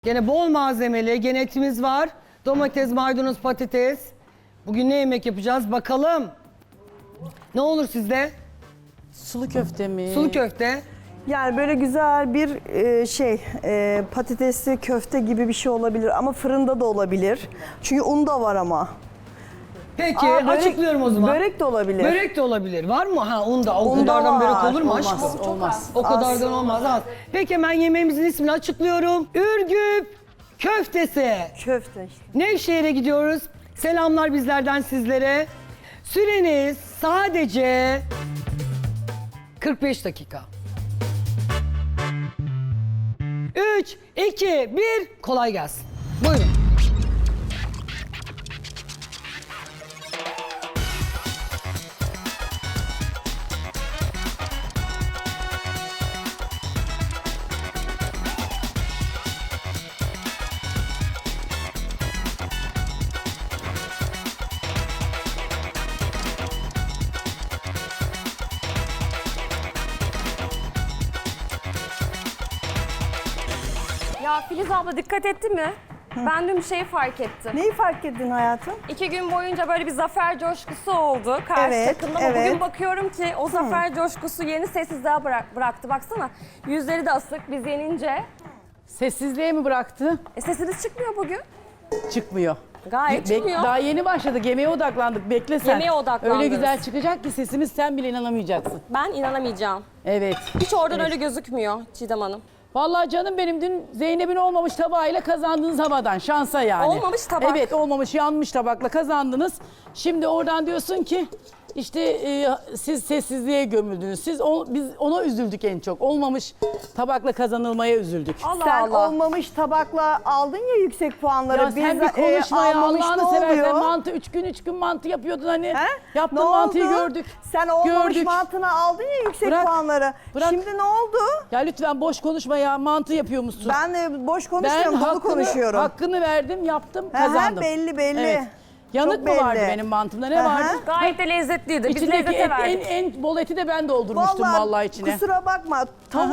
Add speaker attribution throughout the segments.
Speaker 1: Gene bol malzemeli, gene etimiz var. Domates, maydanoz, patates. Bugün ne yemek yapacağız bakalım. Ne olur sizde?
Speaker 2: Sulu köfte mi?
Speaker 1: Sulu köfte.
Speaker 3: Yani böyle güzel bir patatesli köfte gibi bir şey olabilir ama fırında da olabilir. Çünkü un da var ama.
Speaker 1: Peki
Speaker 3: Aa, börek-
Speaker 1: açıklıyorum o zaman.
Speaker 3: Börek de olabilir.
Speaker 1: Börek de olabilir. Var mı? Ha un da. O
Speaker 3: Un da
Speaker 1: kadardan
Speaker 3: var.
Speaker 1: börek olur mu
Speaker 2: Olmaz,
Speaker 1: aşkım?
Speaker 2: olmaz.
Speaker 1: O kadardan olmaz. Az. Peki hemen yemeğimizin ismini açıklıyorum. Ürgüp köftesi.
Speaker 3: Köfte işte.
Speaker 1: Nevşehir'e gidiyoruz. Selamlar bizlerden sizlere. Süreniz sadece 45 dakika. 3, 2, 1, kolay gelsin. Buyurun.
Speaker 4: Ya Filiz abla dikkat etti mi? Ben dün bir şey fark ettim.
Speaker 3: Neyi fark ettin hayatım?
Speaker 4: 2 gün boyunca böyle bir zafer coşkusu oldu karşı
Speaker 3: Evet,
Speaker 4: takımda ama
Speaker 3: evet.
Speaker 4: bugün bakıyorum ki o zafer coşkusu yeni sessizliğe bıraktı. Baksana yüzleri de asık biz yenince.
Speaker 2: Sessizliğe mi bıraktı?
Speaker 4: Sesiniz çıkmıyor bugün.
Speaker 2: Çıkmıyor.
Speaker 4: Gayet çıkmıyor.
Speaker 2: Daha yeni başladık. Yemeğe odaklandık. Bekle sen.
Speaker 4: Yemeğe odaklandınız.
Speaker 2: Öyle güzel çıkacak ki sesimiz sen bile inanamayacaksın.
Speaker 4: Ben inanamayacağım.
Speaker 2: Evet.
Speaker 4: Hiç oradan öyle gözükmüyor Çiğdem Hanım.
Speaker 2: Vallahi canım benim dün Zeynep'in olmamış tabağıyla kazandınız havadan. Şansa yani.
Speaker 4: Olmamış tabak.
Speaker 2: Evet olmamış yanmış tabakla kazandınız. Şimdi oradan diyorsun ki işte siz sessizliğe gömüldünüz. Biz ona üzüldük en çok. Olmamış tabakla kazanılmaya üzüldük.
Speaker 4: Allah
Speaker 3: Sen
Speaker 4: Allah.
Speaker 3: olmamış tabakla aldın ya yüksek puanları.
Speaker 2: Ya sen bir
Speaker 3: Biz,
Speaker 2: konuşma ya
Speaker 3: almamış
Speaker 2: Allah'ını
Speaker 3: ne
Speaker 2: seversen
Speaker 3: oluyor?
Speaker 2: mantı 3 gün mantı yapıyordun hani.
Speaker 3: He?
Speaker 2: Yaptığın
Speaker 3: Ne
Speaker 2: mantıyı
Speaker 3: oldu?
Speaker 2: gördük.
Speaker 3: Sen olmamış
Speaker 2: Gördük.
Speaker 3: mantını aldın ya yüksek
Speaker 2: Bırak,
Speaker 3: puanları.
Speaker 2: bırak.
Speaker 3: Şimdi ne oldu?
Speaker 2: Ya lütfen boş konuşma ya mantı yapıyormuşsun.
Speaker 3: Ben de boş konuşmuyorum, dolu konuşuyorum.
Speaker 2: Hakkını verdim yaptım
Speaker 3: He he,
Speaker 2: kazandım.
Speaker 3: belli.
Speaker 2: Evet. Yanık
Speaker 3: Çok
Speaker 2: mı vardı
Speaker 3: belli.
Speaker 2: benim mantımda ne
Speaker 3: Hı hı.
Speaker 2: vardı?
Speaker 4: Gayet de lezzetliydi. Biz
Speaker 2: İçindeki
Speaker 4: lezzete verdik.
Speaker 2: en bol eti de ben doldurmuştum vallahi içine.
Speaker 3: Kusura bakma.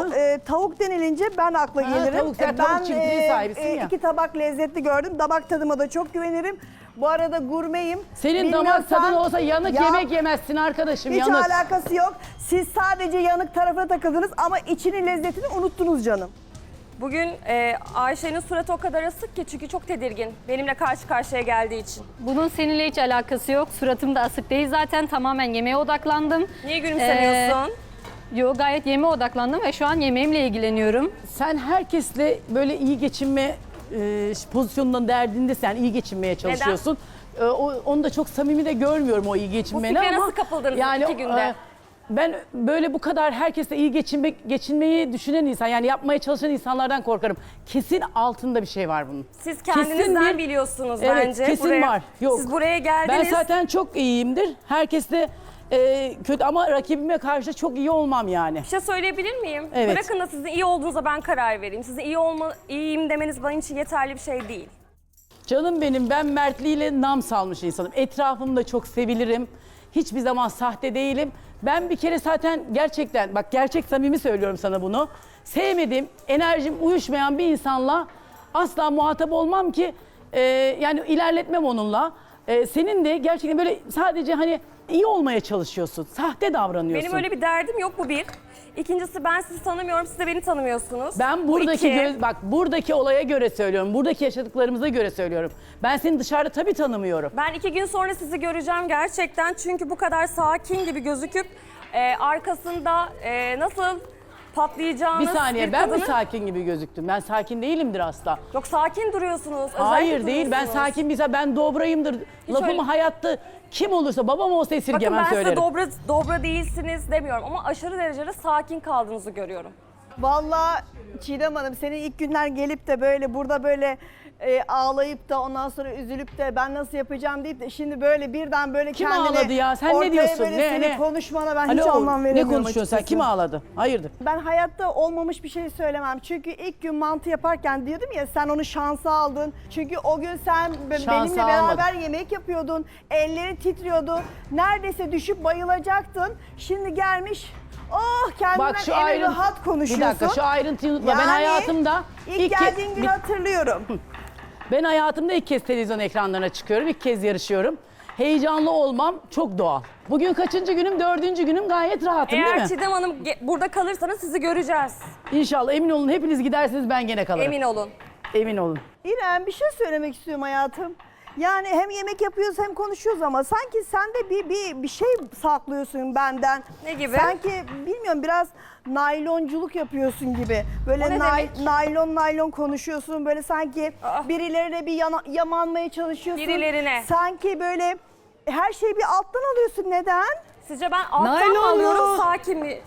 Speaker 3: Tavuk denilince ben akla
Speaker 2: Ha,
Speaker 3: gelirim.
Speaker 2: tavuk, sen tavuk çiftliği sahibisin ya.
Speaker 3: 2 tabak lezzetli gördüm. Damak tadıma da çok güvenirim. Bu arada gurmeyim.
Speaker 2: Senin damak
Speaker 3: Bilmiyorsan-
Speaker 2: tadın olsa yanık
Speaker 3: Ya,
Speaker 2: yemek yemezsin arkadaşım
Speaker 3: hiç
Speaker 2: yanık.
Speaker 3: alakası yok. Siz sadece yanık tarafına takıldınız ama içinin lezzetini unuttunuz canım.
Speaker 4: Bugün Ayşe'nin suratı o kadar asık ki çünkü çok tedirgin. Benimle karşı karşıya geldiği için.
Speaker 5: Bunun seninle hiç alakası yok. Suratım da asık değil. Zaten tamamen yemeğe odaklandım.
Speaker 4: Niye gülümsemiyorsun?
Speaker 5: Yo gayet yemeğe odaklandım ve şu an yemeğimle ilgileniyorum.
Speaker 2: Sen herkesle böyle iyi geçinme pozisyonundan derdinde sen iyi geçinmeye çalışıyorsun. Onu da çok samimi de görmüyorum o iyi geçinmeni
Speaker 4: fikre
Speaker 2: ama.
Speaker 4: nasıl kapıldınız 2 günde?
Speaker 2: Ben böyle bu kadar herkesle iyi geçinmeyi düşünen insan yani yapmaya çalışan insanlardan korkarım. Kesin altında bir şey var bunun.
Speaker 4: Siz
Speaker 2: Kesin
Speaker 4: kendinizden
Speaker 2: bir-
Speaker 4: biliyorsunuz
Speaker 2: Evet,
Speaker 4: bence.
Speaker 2: kesin var. Yok.
Speaker 4: Siz buraya
Speaker 2: Ben
Speaker 4: geldiniz.
Speaker 2: zaten çok iyiyimdir. Herkesle kötü ama rakibime karşı çok iyi olmam yani.
Speaker 4: Bir şey söyleyebilir miyim?
Speaker 2: Evet.
Speaker 4: Bırakın da sizin iyi olduğunuza ben karar vereyim. Sizin iyiyim demeniz benim için yeterli bir şey değil.
Speaker 2: Canım benim ben mertliğiyle nam salmış insanım. Etrafımda çok sevilirim. Hiçbir zaman sahte değilim. Ben bir kere zaten gerçekten bak gerçek samimi söylüyorum sana bunu. Sevmediğim, enerjim uyuşmayan bir insanla asla muhatap olmam ki yani ilerletmem onunla. Senin de gerçekten böyle sadece hani iyi olmaya çalışıyorsun. Sahte davranıyorsun.
Speaker 4: Benim öyle bir derdim yok bu bir. İkincisi ben sizi tanımıyorum, siz de beni tanımıyorsunuz.
Speaker 2: Ben
Speaker 4: Bu
Speaker 2: buradaki
Speaker 4: iki.
Speaker 2: bak buradaki olaya göre söylüyorum. Buradaki yaşadıklarımıza göre söylüyorum. Ben seni dışarıda tabii tanımıyorum.
Speaker 4: Ben 2 gün sonra sizi göreceğim gerçekten. Çünkü bu kadar sakin gibi gözüküp arkasında nasıl patlayacağınız
Speaker 2: Bir saniye
Speaker 4: bir
Speaker 2: ben mi
Speaker 4: kadının-
Speaker 2: sakin gibi gözüktüm? Ben sakin değilimdir asla.
Speaker 4: Yok sakin duruyorsunuz. özellikle
Speaker 2: Hayır değil ben
Speaker 4: duruyorsunuz.
Speaker 2: sakin bir ben dobrayımdır. Lafımı
Speaker 4: öyle-
Speaker 2: hayatta kim olursa babam olsa
Speaker 4: Bakın
Speaker 2: esirgemem
Speaker 4: ben
Speaker 2: söylerim.
Speaker 4: size dobra değilsiniz demiyorum ama aşırı derecede sakin kaldığınızı görüyorum.
Speaker 3: Vallahi Çiğdem Hanım senin ilk günler gelip de böyle burada böyle ağlayıp da ondan sonra üzülüp de ben nasıl yapacağım deyip de şimdi böyle birden böyle
Speaker 2: Kim
Speaker 3: kendini
Speaker 2: ağladı ya? Sen ne
Speaker 3: ortaya
Speaker 2: diyorsun?
Speaker 3: böyle
Speaker 2: Ne,
Speaker 3: senin
Speaker 2: ne?
Speaker 3: konuşmana ben hiç
Speaker 2: Alo,
Speaker 3: anlam veremiyorum
Speaker 2: ne konuşuyorsun sen?
Speaker 3: açıkçası.
Speaker 2: Kim ağladı? Hayırdır?
Speaker 3: Ben hayatta olmamış bir şey söylemem. Çünkü ilk gün mantı yaparken diyordum ya sen onu şansa aldın. Çünkü o gün sen benimle beraber yemek yapıyordun. Ellerin titriyordu. Neredeyse düşüp bayılacaktın. Şimdi gelmiş Oh kendinden
Speaker 2: Bak şu
Speaker 3: en rahat
Speaker 2: bir
Speaker 3: konuşuyorsun.
Speaker 2: dakika şu ayrıntıyı unutma. Ben
Speaker 3: Yani
Speaker 2: hayatımda
Speaker 3: ilk geldiğin günü hatırlıyorum.
Speaker 2: Ben hayatımda ilk kez televizyon ekranlarına çıkıyorum. İlk kez yarışıyorum. Heyecanlı olmam çok doğal. Bugün kaçıncı günüm? 4. günüm, gayet rahatım değil
Speaker 4: Eğer
Speaker 2: mi?
Speaker 4: Çiğdem Hanım burada kalırsanız sizi göreceğiz.
Speaker 2: İnşallah emin olun, hepiniz giderseniz ben gene kalırım.
Speaker 4: Emin olun.
Speaker 2: Emin olun.
Speaker 3: İrem bir şey söylemek istiyorum hayatım. Yani hem yemek yapıyoruz hem konuşuyoruz ama sanki sen de bir şey saklıyorsun benden.
Speaker 4: Ne gibi?
Speaker 3: Sanki bilmiyorum biraz naylonculuk yapıyorsun gibi. Böyle
Speaker 4: O ne demek?
Speaker 3: naylon konuşuyorsun. Böyle sanki birilerine bir yamanmaya çalışıyorsun.
Speaker 4: Birilerine.
Speaker 3: Sanki böyle her şeyi bir alttan alıyorsun. Neden?
Speaker 4: Sizce ben alttan
Speaker 1: Naylon
Speaker 4: mı alıyorum,
Speaker 1: mu?
Speaker 4: sakin mi?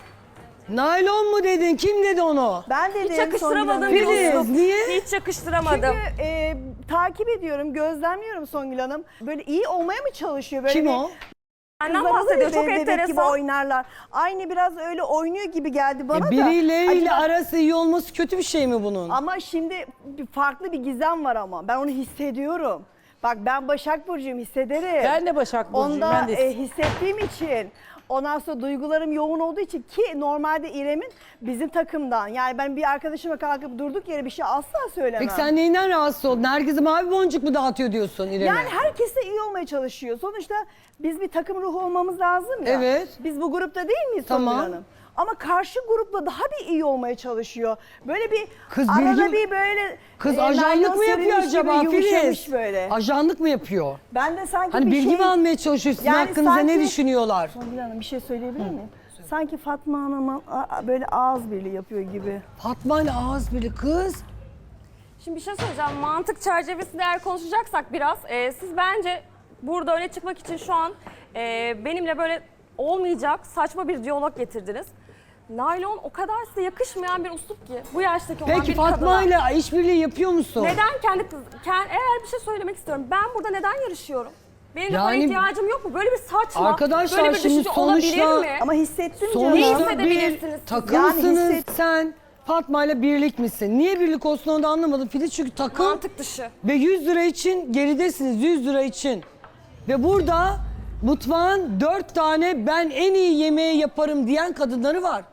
Speaker 1: Naylon mu dedin? Kim dedi onu?
Speaker 3: Ben dedim
Speaker 4: Hiç yakıştıramadım.
Speaker 3: Songül Hanım.
Speaker 1: Filiz, niye?
Speaker 4: Hiç yakıştıramadım.
Speaker 3: Çünkü takip ediyorum, gözlemliyorum Songül Hanım. Böyle iyi olmaya mı çalışıyor? Böyle
Speaker 1: Kim
Speaker 3: bir-
Speaker 1: o?
Speaker 4: Benden
Speaker 3: Kızlar
Speaker 4: bahsediyor.
Speaker 3: oluyor,
Speaker 4: Çok
Speaker 3: bebek gibi
Speaker 4: enteresan.
Speaker 3: oynarlar. Aynı biraz öyle oynuyor gibi geldi bana da.
Speaker 1: Birileriyle
Speaker 3: Acaba-
Speaker 1: arası iyi olması kötü bir şey mi bunun?
Speaker 3: Ama şimdi farklı bir gizem var ama. Ben onu hissediyorum. Bak ben Başak Burcu'yum, hissederim.
Speaker 2: Ben de Başak Burcu'yum.
Speaker 3: Onda
Speaker 2: Ben de
Speaker 3: hissettiğim için. Ondan sonra duygularım yoğun olduğu için ki normalde İrem'in bizim takımdan. Yani ben bir arkadaşıma kalkıp durduk yere bir şey asla söylemem.
Speaker 1: Peki sen neyinden rahatsız oldun? Herkese mavi boncuk mu dağıtıyor diyorsun İrem'e?
Speaker 3: Yani herkes de iyi olmaya çalışıyor. Sonuçta biz bir takım ruhu olmamız lazım ya.
Speaker 1: Evet.
Speaker 3: Biz bu grupta değil miyiz
Speaker 1: Tamam.
Speaker 3: Songül Hanım? Ama karşı grupla daha bir iyi olmaya çalışıyor. Böyle bir
Speaker 1: Kız
Speaker 3: arada
Speaker 1: bilgi-
Speaker 3: bir böyle
Speaker 1: Kız
Speaker 3: naylon
Speaker 1: ajanlık mı yapıyor
Speaker 3: serilmiş gibi
Speaker 1: acaba
Speaker 3: yumuşamış
Speaker 1: Filiz?
Speaker 3: böyle.
Speaker 1: Ajanlık mı yapıyor?
Speaker 3: Ben de sanki
Speaker 1: Hani
Speaker 3: bir
Speaker 1: bilgi
Speaker 3: şey...
Speaker 1: mi almaya çalışıyor? Sizin
Speaker 3: Yani
Speaker 1: hakkınızda ne
Speaker 3: sanki-
Speaker 1: düşünüyorlar?
Speaker 3: Songül Hanım bir şey söyleyebilir miyim? Sanki Fatma Hanım'a böyle ağız birliği yapıyor gibi.
Speaker 1: Fatma ile ağız biri kız.
Speaker 4: Şimdi bir şey söyleyeceğim. Mantık çerçevesinde eğer konuşacaksak biraz, siz bence burada öne çıkmak için şu an benimle böyle olmayacak saçma bir diyalog getirdiniz. Naylon o kadar size yakışmayan bir üslup ki bu yaştaki olan
Speaker 1: Peki
Speaker 4: bir kadına.
Speaker 1: Fatma ile işbirliği yapıyor musun?
Speaker 4: Neden eğer bir şey söylemek istiyorum. Ben burada neden yarışıyorum? Benim de buna
Speaker 1: Yani-
Speaker 4: ihtiyacım yok mu? Böyle bir saçma,
Speaker 1: Arkadaşlar
Speaker 4: böyle bir
Speaker 1: şimdi
Speaker 4: düşünce olabilir
Speaker 1: sonuçta-
Speaker 4: mi?
Speaker 3: Ama hissettim
Speaker 4: Ne
Speaker 3: canım.
Speaker 1: Sonuçta bir
Speaker 4: hissedebilirsiniz siz?
Speaker 1: takımsınız.
Speaker 3: Yani hisset-
Speaker 1: Sen Fatma ile birlik misin? Niye birlik olsun onu da anlamadım. Filiz çünkü takım
Speaker 4: Mantık dışı.
Speaker 1: ve 100 lira için geridesiniz 100 lira için. Ve burada mutfağın 4 tane ben en iyi yemeği yaparım diyen kadınları var.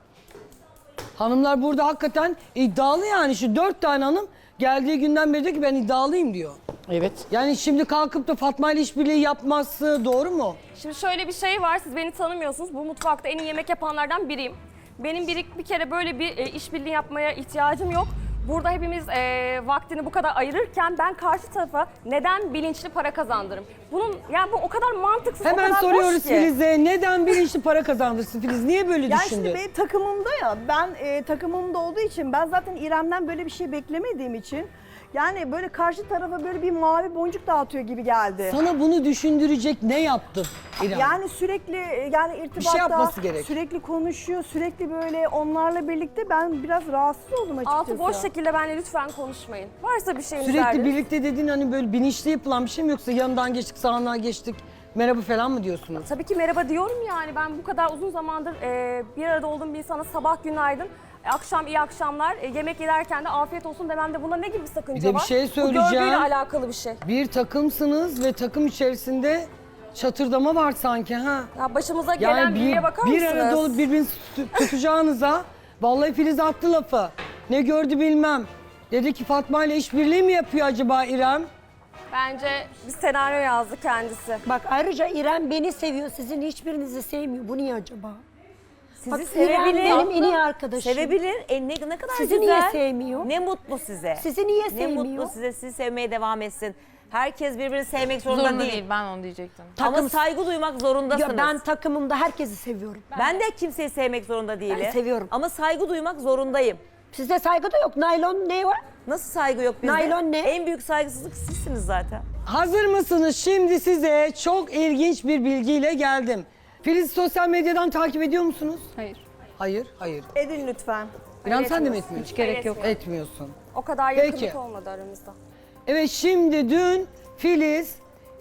Speaker 1: Hanımlar burada hakikaten iddialı yani. Şu 4 tane hanım geldiği günden beri diyor ki ben iddialıyım diyor.
Speaker 2: Evet.
Speaker 1: Yani şimdi kalkıp da Fatma ile işbirliği yapması doğru mu?
Speaker 4: Şimdi şöyle bir şey var, siz beni tanımıyorsunuz. Bu mutfakta en iyi yemek yapanlardan biriyim. Benim bir kere böyle bir işbirliği yapmaya ihtiyacım yok. Burada hepimiz vaktini bu kadar ayırırken ben karşı tarafa neden bilinçli para kazandırırım? Bunun yani bu o kadar mantıksız, o
Speaker 1: Hemen
Speaker 4: kadar
Speaker 1: soruyoruz
Speaker 4: boş ki.
Speaker 1: Filiz'e neden bilinçli para kazandırsın Filiz? Niye böyle
Speaker 3: Yani
Speaker 1: düşündü?
Speaker 3: şimdi benim takımımda ya, ben takımımda olduğu için ben zaten İrem'den böyle bir şey beklemediğim için yani böyle karşı tarafa böyle bir mavi boncuk dağıtıyor gibi geldi.
Speaker 1: Sana bunu düşündürecek ne yaptın İrem?
Speaker 3: Yani sürekli yani irtibatta
Speaker 1: yapması gerek.
Speaker 3: sürekli konuşuyor, sürekli böyle onlarla birlikte ben biraz rahatsız oldum açıkçası.
Speaker 4: Altı boş şekilde benimle lütfen konuşmayın. Varsa bir şeyiniz
Speaker 1: Sürekli
Speaker 4: derdiniz.
Speaker 1: birlikte dediğin hani böyle bilinçli yapılan bir şey mi yoksa yanından geçtik sağından geçtik merhaba falan mı diyorsunuz?
Speaker 4: Tabii ki merhaba diyorum yani. Ben bu kadar uzun zamandır bir arada olduğum bir insana sabah günaydın, akşam iyi akşamlar, yemek yerken de afiyet olsun dememde buna ne gibi bir sakınca
Speaker 1: Bir de bir
Speaker 4: var?
Speaker 1: şey
Speaker 4: Bu
Speaker 1: söyleyeceğim.
Speaker 4: görgüyle alakalı bir şey.
Speaker 1: Bir takımsınız ve takım içerisinde çatırdama var sanki ha.
Speaker 4: Ya başımıza gelen
Speaker 1: Yani
Speaker 4: bilgiye bakar
Speaker 1: bir
Speaker 4: mısınız?
Speaker 1: arada olup birbirinizi tutacağınıza vallahi Filiz attı lafı. Ne gördü bilmem. Dedi ki Fatma ile işbirliği mi yapıyor acaba İrem?
Speaker 4: Bence bir senaryo yazdı kendisi.
Speaker 6: Bak ayrıca İrem beni seviyor, sizin hiçbirinizi sevmiyor. Bu niye acaba?
Speaker 7: Sizi
Speaker 6: Bak, İrem
Speaker 7: sevebilir.
Speaker 6: benim en iyi arkadaşım.
Speaker 7: Sevebilir. Ne kadar
Speaker 6: Sizi
Speaker 7: güzel.
Speaker 6: niye sevmiyor?
Speaker 7: Ne mutlu size.
Speaker 6: Sizi niye
Speaker 7: Ne
Speaker 6: sevmiyor?
Speaker 7: mutlu size. Sizi sevmeye devam etsin. Herkes birbirini sevmek zorunda, değil.
Speaker 8: Ben onu diyecektim.
Speaker 7: Ama saygı duymak zorundasınız.
Speaker 6: Ya ben takımımda herkesi seviyorum.
Speaker 7: Ben de kimseyi sevmek zorunda değilim.
Speaker 6: Ben seviyorum.
Speaker 7: Ama saygı duymak zorundayım.
Speaker 6: Sizde saygı da yok. Naylon ne var?
Speaker 7: Nasıl saygı yok bizde?
Speaker 6: Naylon ne?
Speaker 7: En büyük saygısızlık sizsiniz zaten.
Speaker 1: Hazır mısınız? Şimdi size çok ilginç bir bilgiyle geldim. Filiz sosyal medyadan takip ediyor musunuz?
Speaker 5: Hayır.
Speaker 1: Hayır, hayır.
Speaker 3: Edin lütfen.
Speaker 1: İrem sen de mi etmiyorsun?
Speaker 5: Hiç gerek yok.
Speaker 1: Etmiyorsun.
Speaker 4: O kadar
Speaker 1: Peki.
Speaker 4: yakınlık olmadı aramızda.
Speaker 1: Evet şimdi dün Filiz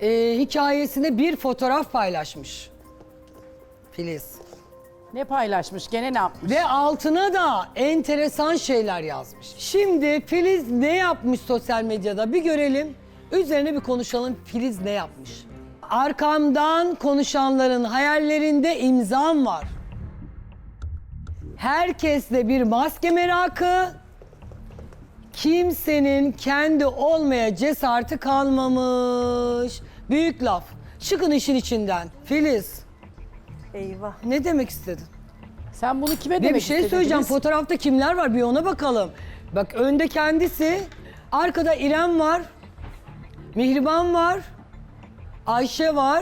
Speaker 1: hikayesine bir fotoğraf paylaşmış. Filiz.
Speaker 2: Ne paylaşmış? Gene ne yapmış?
Speaker 1: Ve altına da enteresan şeyler yazmış. Şimdi Filiz ne yapmış sosyal medyada bir görelim. Üzerine bir konuşalım Filiz ne yapmış. Arkamdan konuşanların hayallerinde imzam var. Herkeste bir maske merakı. Kimsenin kendi olmaya cesareti kalmamış. Büyük laf. Çıkın işin içinden. Filiz,
Speaker 3: Eyvah.
Speaker 1: ne demek istedin?
Speaker 2: Sen bunu kime
Speaker 1: Bir
Speaker 2: demek
Speaker 1: şey
Speaker 2: istedin
Speaker 1: söyleyeceğim.
Speaker 2: Filiz?
Speaker 1: Fotoğrafta kimler var bir ona bakalım. Bak önde kendisi, arkada İrem var, Mihriban var, Ayşe var,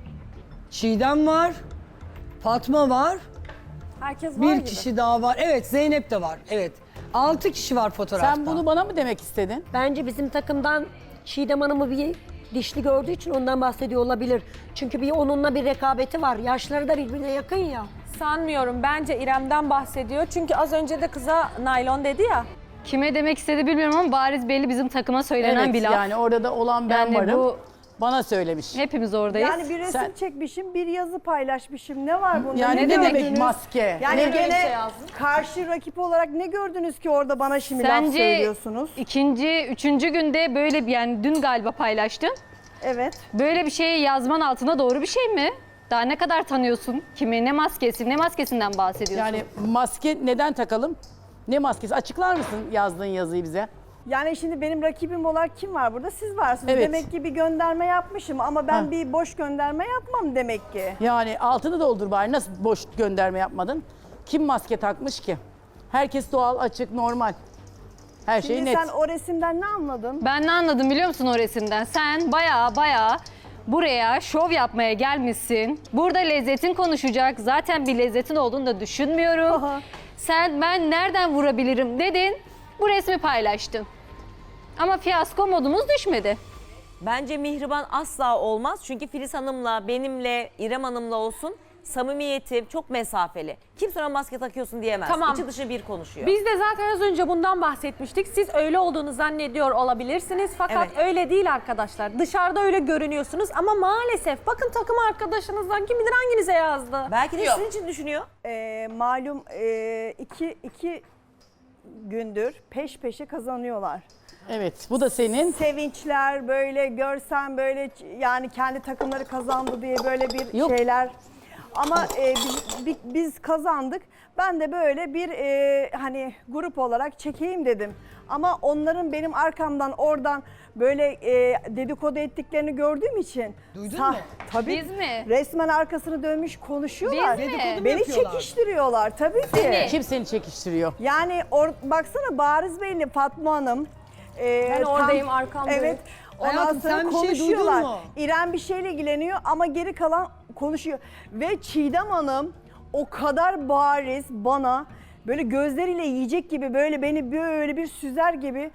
Speaker 1: Çiğdem var, Fatma var,
Speaker 4: Herkes var
Speaker 1: bir
Speaker 4: gibi.
Speaker 1: kişi daha var. Evet, Zeynep de var. Evet. 6 kişi var fotoğrafta.
Speaker 2: Sen bunu bana mı demek istedin?
Speaker 6: Bence bizim takımdan Çiğdem Hanım'ı bir dişli gördüğü için ondan bahsediyor olabilir. Çünkü onunla bir rekabeti var. Yaşları da birbirine yakın ya.
Speaker 8: Sanmıyorum. Bence İrem'den bahsediyor. Çünkü az önce de kıza naylon dedi ya.
Speaker 5: Kime demek istedi bilmiyorum ama bariz belli bizim takıma söylenen
Speaker 2: Evet
Speaker 5: bir laf.
Speaker 2: yani orada da olan ben
Speaker 5: Yani
Speaker 2: varım.
Speaker 5: bu-
Speaker 2: Bana söylemiş.
Speaker 5: Hepimiz oradayız.
Speaker 3: Yani bir resim
Speaker 2: Sen-
Speaker 3: çekmişim, bir yazı paylaşmışım. Ne var bunda?
Speaker 2: Yani ne demek
Speaker 3: gördünüz?
Speaker 2: maske?
Speaker 3: Yani
Speaker 2: Ne-
Speaker 3: gene karşı rakip olarak ne gördünüz ki orada bana şimdi laf
Speaker 5: Sence
Speaker 3: söylüyorsunuz?
Speaker 5: üçüncü günde böyle bir yani dün galiba paylaştın.
Speaker 3: Evet.
Speaker 5: Böyle bir şeyi yazman altına doğru bir şey mi? Daha ne kadar tanıyorsun kimi? Ne maskesi, ne maskesinden bahsediyorsun?
Speaker 2: Yani maske neden takalım? Ne maskesi? Açıklar mısın yazdığın yazıyı bize?
Speaker 3: Yani şimdi benim rakibim olarak kim var burada? Siz varsınız.
Speaker 2: Evet.
Speaker 3: Demek ki bir gönderme yapmışım ama ben
Speaker 2: Ha.
Speaker 3: bir boş gönderme yapmam demek ki.
Speaker 2: Yani altını doldur bari. Nasıl boş gönderme yapmadın? Kim maske takmış ki? Herkes doğal, açık, normal. Her şey
Speaker 3: Şimdi
Speaker 2: net.
Speaker 3: sen o resimden ne anladın?
Speaker 5: Ben ne anladım biliyor musun o resimden? Sen baya buraya şov yapmaya gelmişsin. Burada lezzetin konuşacak. Zaten bir lezzetin olduğunu da düşünmüyorum.
Speaker 3: Aha.
Speaker 5: Sen ben nereden vurabilirim dedin. Bu resmi paylaştın. Ama fiyasko modumuz düşmedi.
Speaker 7: Bence Mihriban asla olmaz. Çünkü Filiz Hanım'la, benimle, İrem Hanım'la olsun samimiyeti çok mesafeli. Kimse ona maske takıyorsun diyemez.
Speaker 8: Tamam.
Speaker 7: İçi dışı bir konuşuyor.
Speaker 8: Biz de zaten az önce bundan bahsetmiştik. Siz öyle olduğunu zannediyor olabilirsiniz. Fakat
Speaker 7: Evet.
Speaker 8: öyle değil arkadaşlar. Dışarıda öyle görünüyorsunuz ama maalesef bakın takım arkadaşınızdan kim bilir hanginize yazdı.
Speaker 7: Belki de sizin için düşünüyor.
Speaker 3: Malum iki gündür peş peşe kazanıyorlar.
Speaker 2: Evet, bu da senin.
Speaker 3: Sevinçler böyle görsen böyle yani kendi takımları kazandı diye böyle bir
Speaker 2: Yok.
Speaker 3: şeyler. Ama biz kazandık. Ben de böyle bir hani grup olarak çekeyim dedim. Ama onların benim arkamdan oradan böyle dedikodu ettiklerini gördüğüm için.
Speaker 1: Duydun mu?
Speaker 3: Tabii.
Speaker 5: Biz mi?
Speaker 3: Resmen arkasını dönmüş konuşuyorlar.
Speaker 5: Biz mi? Dedikodu
Speaker 1: mu
Speaker 3: Beni
Speaker 1: yapıyorlar?
Speaker 3: çekiştiriyorlar tabii ki.
Speaker 5: Seni.
Speaker 2: Kim seni çekiştiriyor?
Speaker 3: Yani baksana bariz belli Fatma Hanım.
Speaker 4: Ben oradayım, arkamdayım.
Speaker 3: Evet. Ondan
Speaker 1: Hayatım,
Speaker 3: sonra
Speaker 1: sen bir şey
Speaker 3: konuşuyorlar.
Speaker 1: duydun mu?
Speaker 3: İrem bir şeyle ilgileniyor ama geri kalan konuşuyor. Ve Çiğdem Hanım o kadar bariz bana böyle gözleriyle yiyecek gibi böyle beni böyle bir süzer gibi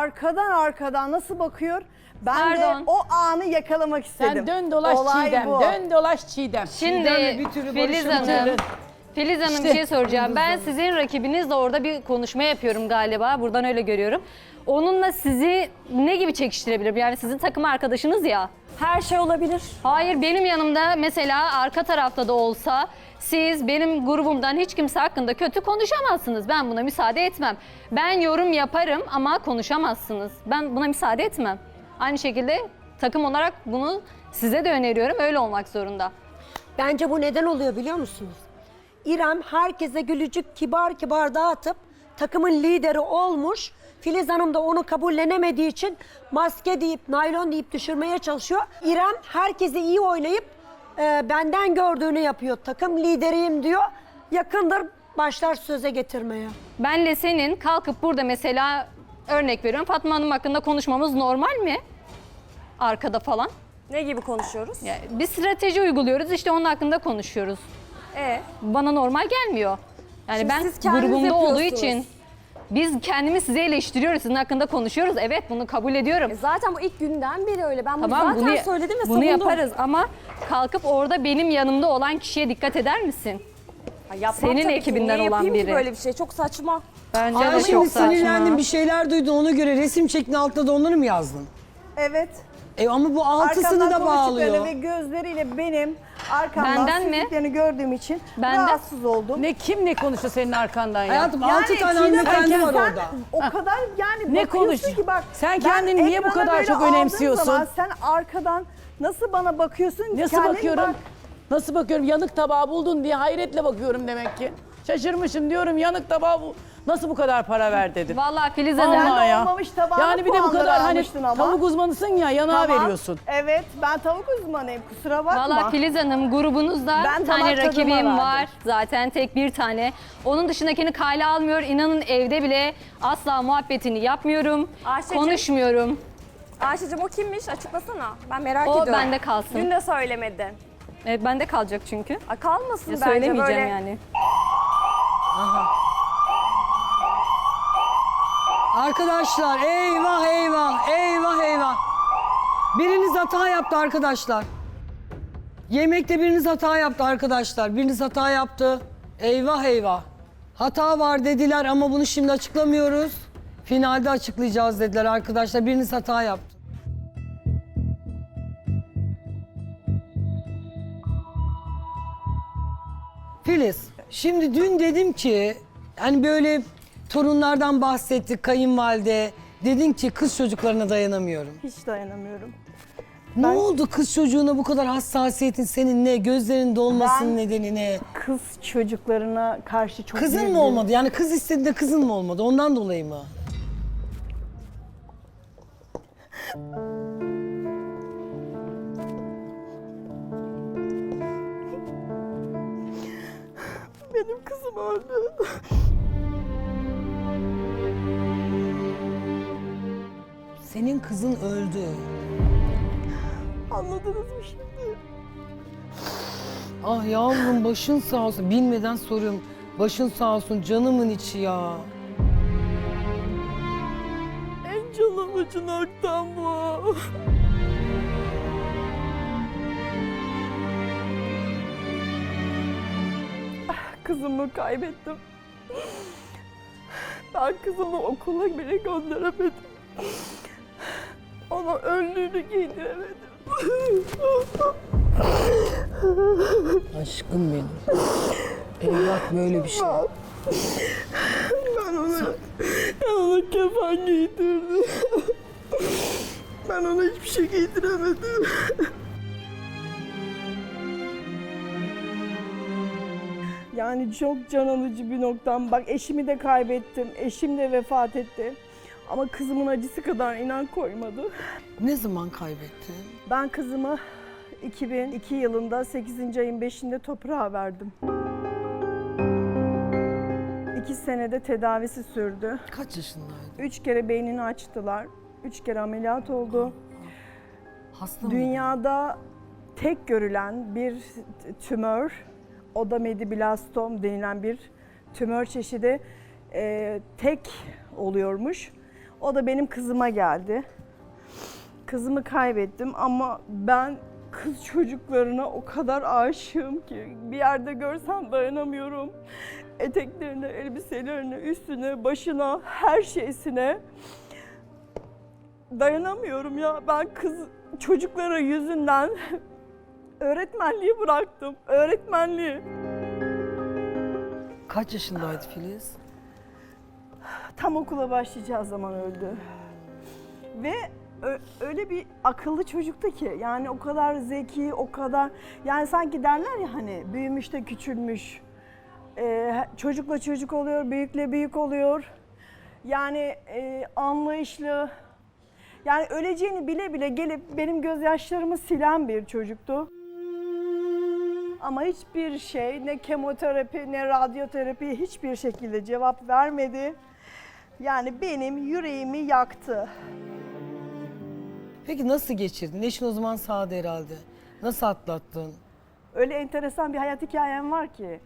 Speaker 3: arkadan nasıl bakıyor? Ben
Speaker 5: Pardon.
Speaker 3: de o anı yakalamak istedim.
Speaker 2: Sen dön dolaş
Speaker 3: Olay
Speaker 2: Çiğdem,
Speaker 3: bu.
Speaker 2: dön dolaş Çiğdem.
Speaker 5: Şimdi
Speaker 1: Çiğdem'le bir türlü
Speaker 5: Filiz
Speaker 1: barışamadı.
Speaker 5: Hanım
Speaker 2: İşte.
Speaker 5: bir şey soracağım. Ben sizin rakibinizle orada bir konuşma yapıyorum galiba. Buradan öyle görüyorum. Onunla sizi ne gibi çekiştirebilirim? Yani sizin takım arkadaşınız ya.
Speaker 4: Her şey olabilir.
Speaker 5: Hayır benim yanımda mesela arka tarafta da olsa siz benim grubumdan hiç kimse hakkında kötü konuşamazsınız. Ben buna müsaade etmem. Ben yorum yaparım ama konuşamazsınız. Ben buna müsaade etmem. Aynı şekilde takım olarak bunu size de öneriyorum. Öyle olmak zorunda.
Speaker 6: Bence bu neden oluyor biliyor musunuz? İrem herkese gülücük kibar dağıtıp takımın lideri olmuş. Filiz Hanım da onu kabullenemediği için maske deyip, naylon deyip düşürmeye çalışıyor. İrem herkese iyi oynayıp benden gördüğünü yapıyor. Takım lideriyim diyor. Yakındır başlar söze getirmeye.
Speaker 5: Benle senin kalkıp burada mesela örnek veriyorum Fatma Hanım hakkında konuşmamız normal mi? Arkada falan.
Speaker 4: Ne gibi konuşuyoruz?
Speaker 5: Yani bir strateji uyguluyoruz işte onun hakkında konuşuyoruz. Bana normal gelmiyor. Yani
Speaker 4: Şimdi
Speaker 5: ben
Speaker 4: siz kendiniz
Speaker 5: grubumda olduğu
Speaker 4: yapıyorsunuz.
Speaker 5: için biz kendimiz size eleştiriyoruz. Sizin hakkında konuşuyoruz. Evet bunu kabul ediyorum.
Speaker 4: Zaten bu ilk günden beri öyle. Ben bunu
Speaker 5: Tamam
Speaker 4: zaten söyledim ve
Speaker 5: bunu
Speaker 4: savundum.
Speaker 5: yaparız ama kalkıp orada benim yanımda olan kişiye dikkat eder misin?
Speaker 4: Ha, yapmam
Speaker 5: Senin
Speaker 4: tabii ki.
Speaker 5: ekibinden
Speaker 4: Niye
Speaker 5: olan
Speaker 4: yapayım ki
Speaker 5: biri.
Speaker 4: böyle bir şey? Çok saçma.
Speaker 5: Bence
Speaker 1: Ay
Speaker 5: de
Speaker 1: şimdi
Speaker 5: çok saçma.
Speaker 1: sinirlendin bir şeyler duydun ona göre resim çektin altına da onları mı yazdın?
Speaker 3: Evet.
Speaker 1: Ama bu altısını
Speaker 3: Arkamdan
Speaker 1: da
Speaker 3: konuştuklarını
Speaker 1: bağlıyor.
Speaker 3: ve gözleriyle benim arkamdan
Speaker 5: Benden mi?
Speaker 3: süzdüklerini gördüğüm için
Speaker 5: Benden.
Speaker 3: rahatsız oldum.
Speaker 2: Ne kim ne konuştu senin arkandan ya?
Speaker 1: Hayatım
Speaker 3: Yani
Speaker 1: 6 tane
Speaker 3: Çiğdem,
Speaker 1: hanımefendi
Speaker 3: sen
Speaker 1: var orada.
Speaker 3: O kadar yani
Speaker 2: Ne
Speaker 3: bakıyorsun
Speaker 2: konuş-
Speaker 3: ki bak.
Speaker 2: Sen
Speaker 3: ben
Speaker 2: kendini niye bu
Speaker 3: ekrana
Speaker 2: kadar
Speaker 3: böyle
Speaker 2: çok
Speaker 3: aldığım
Speaker 2: önemsiyorsun?
Speaker 3: zaman sen arkadan nasıl bana bakıyorsun?
Speaker 2: Nasıl
Speaker 3: Kendin
Speaker 2: bakıyorum?
Speaker 3: bak.
Speaker 2: Nasıl bakıyorum? Yanık tabağı buldun diye hayretle bakıyorum demek ki. Şaşırmışım diyorum yanık tabağa bu nasıl bu kadar para ver dedim.
Speaker 5: Vallahi Filiz
Speaker 2: Vallahi
Speaker 5: Hanım.
Speaker 3: Sen de
Speaker 2: ya.
Speaker 3: olmamış tabağına
Speaker 2: Yani bir de bu
Speaker 3: puanları
Speaker 2: kadar hani
Speaker 3: almıştın ama.
Speaker 2: tavuk uzmanısın ya yanağa
Speaker 3: Tamam.
Speaker 2: veriyorsun.
Speaker 3: Evet, ben tavuk uzmanıyım. Kusura bakma.
Speaker 5: Vallahi Filiz Hanım grubunuzda
Speaker 3: Ben
Speaker 5: bir tane
Speaker 3: damak tadıma
Speaker 5: rakibim
Speaker 3: verdim.
Speaker 5: var. Zaten tek bir tane. Onun dışındakini kale almıyor. İnanın evde bile asla muhabbetini yapmıyorum.
Speaker 4: Ayşe'cim.
Speaker 5: Konuşmuyorum.
Speaker 4: Ayşe'cim o kimmiş? Açıklasana. Ben merak
Speaker 5: O
Speaker 4: ediyorum.
Speaker 5: bende kalsın.
Speaker 4: Dün de söylemedin.
Speaker 5: Evet, bende kalacak çünkü.
Speaker 4: Kalmasın
Speaker 5: Ya
Speaker 4: bence
Speaker 5: söylemeyeceğim
Speaker 4: böyle.
Speaker 5: yani.
Speaker 1: Arkadaşlar eyvah eyvah eyvah eyvah. Biriniz hata yaptı arkadaşlar. Yemekte biriniz hata yaptı arkadaşlar. Biriniz hata yaptı. Eyvah eyvah. Hata var dediler ama bunu şimdi açıklamıyoruz. Finalde açıklayacağız dediler arkadaşlar. Biriniz hata yaptı. Filiz, şimdi dün dedim ki hani böyle torunlardan bahsettik kayınvalide. Dedin ki kız çocuklarına dayanamıyorum.
Speaker 3: Hiç dayanamıyorum.
Speaker 1: Ne oldu kız çocuğuna bu kadar hassasiyetin senin ne? Gözlerin dolmasının
Speaker 3: Ben-
Speaker 1: nedeni ne?
Speaker 3: Kız çocuklarına karşı çok
Speaker 1: Kızın
Speaker 3: büyük
Speaker 1: mı
Speaker 3: bir-
Speaker 1: olmadı? Yani kız istediğinde kızın mı olmadı? Ondan dolayı mı?
Speaker 3: Benim kızım öldü.
Speaker 1: Senin kızın öldü.
Speaker 3: Anladınız mı şimdi?
Speaker 1: Ah yavrum başın sağ olsun. Bilmeden soruyorum. Başın sağ olsun canımın içi ya.
Speaker 3: En canım acı noktam bu. Kızımı kaybettim. Ben kızımı okula bile gönderemedim. Ona önlüğünü giydiremedim.
Speaker 1: Aşkım benim. Evlat böyle bir şey.
Speaker 3: Ben ona kefen giydirdim. Ben ona hiçbir şey giydiremedim. Yani çok can alıcı bir noktam. Bak eşimi de kaybettim. Eşim de vefat etti. Ama kızımın acısı kadar inan koymadı.
Speaker 1: Ne zaman kaybettin?
Speaker 3: Ben kızımı 2002 yılında 8. ayın 5'inde toprağa verdim. 2 senede tedavisi sürdü.
Speaker 1: Kaç yaşındaydın?
Speaker 3: 3 kere beynini açtılar. 3 kere ameliyat oldu.
Speaker 1: Hasta mıydın?
Speaker 3: Dünyada tek görülen bir tümör, odamediblastom denilen bir tümör çeşidi tek oluyormuş. O da benim kızıma geldi. Kızımı kaybettim ama ben kız çocuklarına o kadar aşığım ki bir yerde görsem dayanamıyorum. Eteklerine, elbiselerine, üstüne, başına, her şeysine dayanamıyorum ya. Ben kız çocuklara yüzünden öğretmenliği bıraktım. Öğretmenliği.
Speaker 1: Kaç yaşındaydı Filiz?
Speaker 3: Tam okula başlayacağı zaman öldü. Ve öyle bir akıllı çocuktu ki yani o kadar zeki, o kadar yani sanki derler ya hani büyümüş de küçülmüş. Çocukla çocuk oluyor, büyükle büyük oluyor. Yani anlayışlı. Yani öleceğini bile bile gelip benim gözyaşlarımı silen bir çocuktu. Ama hiçbir şey, ne kemoterapi, ne radyoterapi hiçbir şekilde cevap vermedi. Yani benim yüreğimi yaktı.
Speaker 1: Peki nasıl geçirdin? Eşin o zaman sağdı herhalde. Nasıl atlattın?
Speaker 3: Öyle enteresan bir hayat hikayem var ki.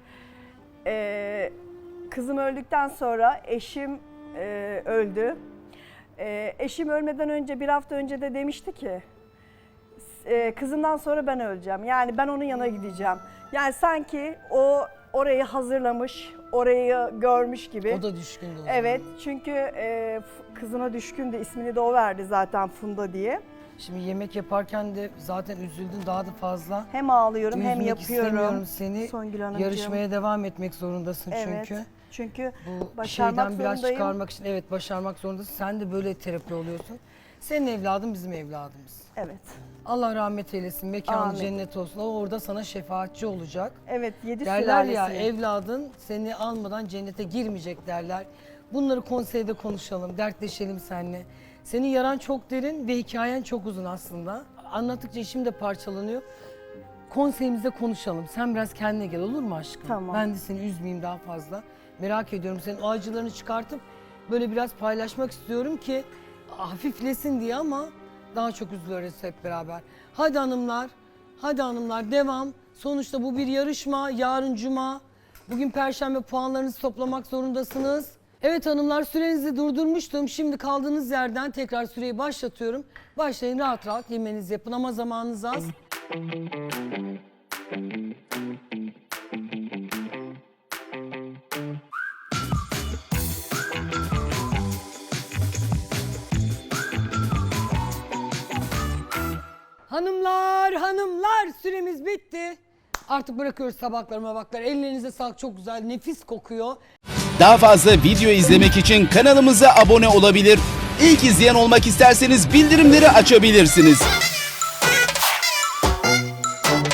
Speaker 3: Kızım öldükten sonra eşim öldü. Eşim ölmeden önce, bir hafta önce de demişti ki kızımdan sonra ben öleceğim. Yani ben onun yanına gideceğim. Yani sanki o orayı hazırlamış, orayı görmüş gibi.
Speaker 1: O da düşkündü o zaman.
Speaker 3: Evet, çünkü kızına düşkündü. İsmini de o verdi zaten, Funda diye.
Speaker 1: Şimdi yemek yaparken de zaten üzüldün daha da fazla.
Speaker 3: Hem ağlıyorum hem
Speaker 1: Üzmek
Speaker 3: yapıyorum.
Speaker 1: istemiyorum seni.
Speaker 3: Songül Hanımcığım.
Speaker 1: Yarışmaya devam etmek zorundasın
Speaker 3: Evet.
Speaker 1: çünkü.
Speaker 3: Çünkü
Speaker 1: Bu
Speaker 3: başarmak
Speaker 1: şeyden biraz
Speaker 3: zorundayım.
Speaker 1: çıkarmak için evet başarmak zorundasın. Sen de böyle terapi oluyorsun. Senin evladın bizim evladımız.
Speaker 3: Evet.
Speaker 1: Allah rahmet eylesin, mekanı
Speaker 3: Amin.
Speaker 1: cennet olsun. O orada sana şefaatçi olacak.
Speaker 3: Evet 7
Speaker 1: Derler ya
Speaker 3: sülalesi.
Speaker 1: evladın seni almadan cennete girmeyecek derler. Bunları konseyde konuşalım, dertleşelim seninle. Senin yaran çok derin ve hikayen çok uzun aslında. Anlattıkça içim de parçalanıyor. Konseyimizde konuşalım. Sen biraz kendine gel, olur mu aşkım?
Speaker 3: Tamam.
Speaker 1: Ben de seni üzmeyeyim daha fazla. Merak ediyorum, senin o acılarını çıkartıp böyle biraz paylaşmak istiyorum ki hafiflesin diye, ama daha çok üzülürüz hep beraber. Hadi hanımlar, hadi hanımlar, devam. Sonuçta bu bir yarışma. Yarın cuma. Bugün perşembe, puanlarınızı toplamak zorundasınız. Evet hanımlar, sürenizi durdurmuştum. Şimdi kaldığınız yerden tekrar süreyi başlatıyorum. Başlayın, rahat rahat yemenizi yapın ama zamanınız az. Hanımlar, hanımlar, süremiz bitti. Artık bırakıyoruz tabakları mabakları. Ellerinize sağlık, çok güzel, nefis kokuyor.
Speaker 9: Daha fazla video izlemek için kanalımıza abone olabilir. İlk izleyen olmak isterseniz bildirimleri açabilirsiniz.